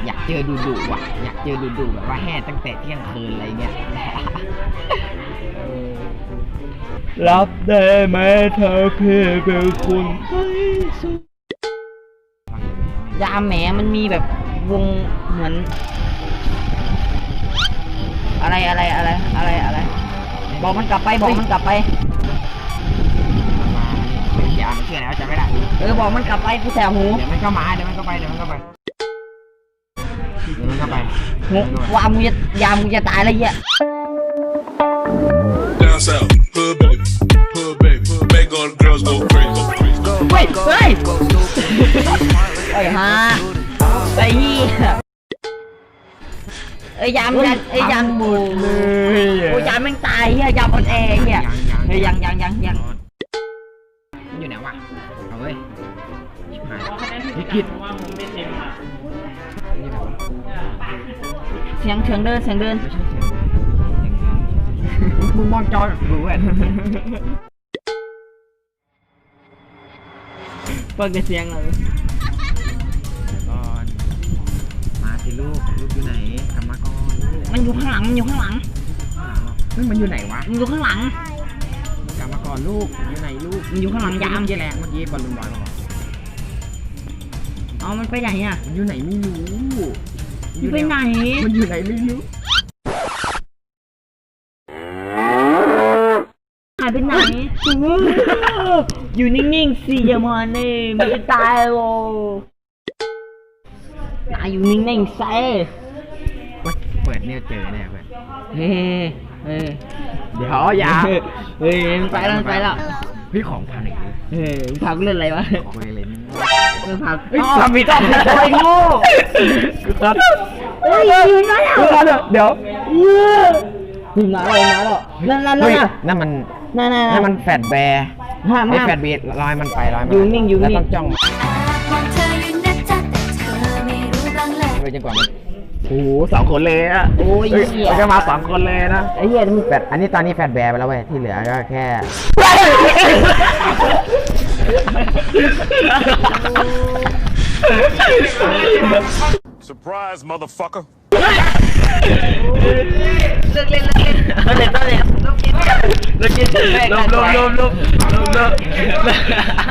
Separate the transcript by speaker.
Speaker 1: อยากเจอดุว่ะอยากเจอดุแบบว่าแห่ตั้งแต่เที่ยงคืนอะไรเงี้ย
Speaker 2: รับได้ไหมเธอพี่เป็นคนให้สุด
Speaker 3: ยามแหมมันมีแบบวงเหมือนอะไรบอกมันกลับไปบอกมันกลับไป
Speaker 1: อย่ามันเชื่อแล้วจะไม่ได้
Speaker 3: บอกมันกลับไปกูแสบหู
Speaker 1: เดี๋ยวมันก็มาเดี๋ยวมันก็ไป
Speaker 3: หูว่ามึงจะยามมึงจะตายแล้วเหี้ย
Speaker 4: Down south, hood baby, all the girls go crazy.
Speaker 3: เฮ้ยไอ้ฮะไอ้เหี้ยยามบูกูยามแม่งตายเหี้ยยามอ่อนแอเหี้ยเฮ้ยยัง
Speaker 1: มันอยู่ไหนวะเอาเว้ยวิกฤต
Speaker 3: เสียงเดิน
Speaker 1: ไม่ใช่เสียงมึงมองจอรู้เว้ย
Speaker 3: เปิดเสียงเลย
Speaker 1: ก่อนมาสิลูกอยู่ไหนกลับมาก่อนลูก
Speaker 3: มันอยู่ข้างหลัง
Speaker 1: เฮ้ยมันอยู่ไหนวะ
Speaker 3: มันอยู่ข้างหลัง
Speaker 1: กลับมาก่อนลูกอยู่ไหนลูก
Speaker 3: มันอยู่ข้างหลังยาม
Speaker 1: เมื่อกี้แหละเมื่อกี้บอลลูนบอยมาบอก
Speaker 3: เอามันไปไหนอ่ะ
Speaker 1: มันอยู่ไหนไม่รู้
Speaker 3: มันไปไหน
Speaker 1: มันอยู่ไหนไม่รู้
Speaker 3: หายไปไหน อยู่นิ่งๆสิอย่ามาเนี่ยมันจะตายโว้นายอยู่นิ่งๆใส่
Speaker 1: เปิดเนี่ยเจอแน่เพื่อน
Speaker 3: เฮ้ย
Speaker 1: เดี๋ยวอย่า
Speaker 3: เฮ้ยมันไปแล้ว
Speaker 1: พี่ของพันอีกเลย
Speaker 3: พากูเล่นอะไรวะ
Speaker 1: ของอะไรนี่
Speaker 3: พา
Speaker 1: สามีต้อง
Speaker 3: ไอ้โง่
Speaker 1: ครับ
Speaker 3: เฮ้ยอยู่ไหนอ่ะ
Speaker 1: เดี๋ยว
Speaker 3: ถึงมาแล้วนั่น
Speaker 1: เฮ้ยนั่นมัน
Speaker 3: นั่น
Speaker 1: นั่นมันแฟดแบร์
Speaker 3: ห้าม
Speaker 1: ไอ้แฟดเบร์ลอยมันไปลอยมัน
Speaker 3: อยู่นิ่ง
Speaker 1: แล้วต้องจ้อง
Speaker 5: มองเธออยู่นะจ๊ะแต่เธอไม่รู้บ้างเลย
Speaker 1: ไปจนกว่ามันโอ้โห2 คนเลยอะ
Speaker 3: โอ้ย
Speaker 1: เฮ้ย
Speaker 3: เหี้ย
Speaker 1: มันก็มา2 คนเลยนะ
Speaker 3: ไอ้เหี้ยมึง
Speaker 1: แฟดอันนี้ตอนนี้แฟดแบร์ไปแล้วเว้ยที่เหลือก็แค่
Speaker 4: Surprise, motherfucker.
Speaker 3: เลิกเล่นลูกกินแม่งกัน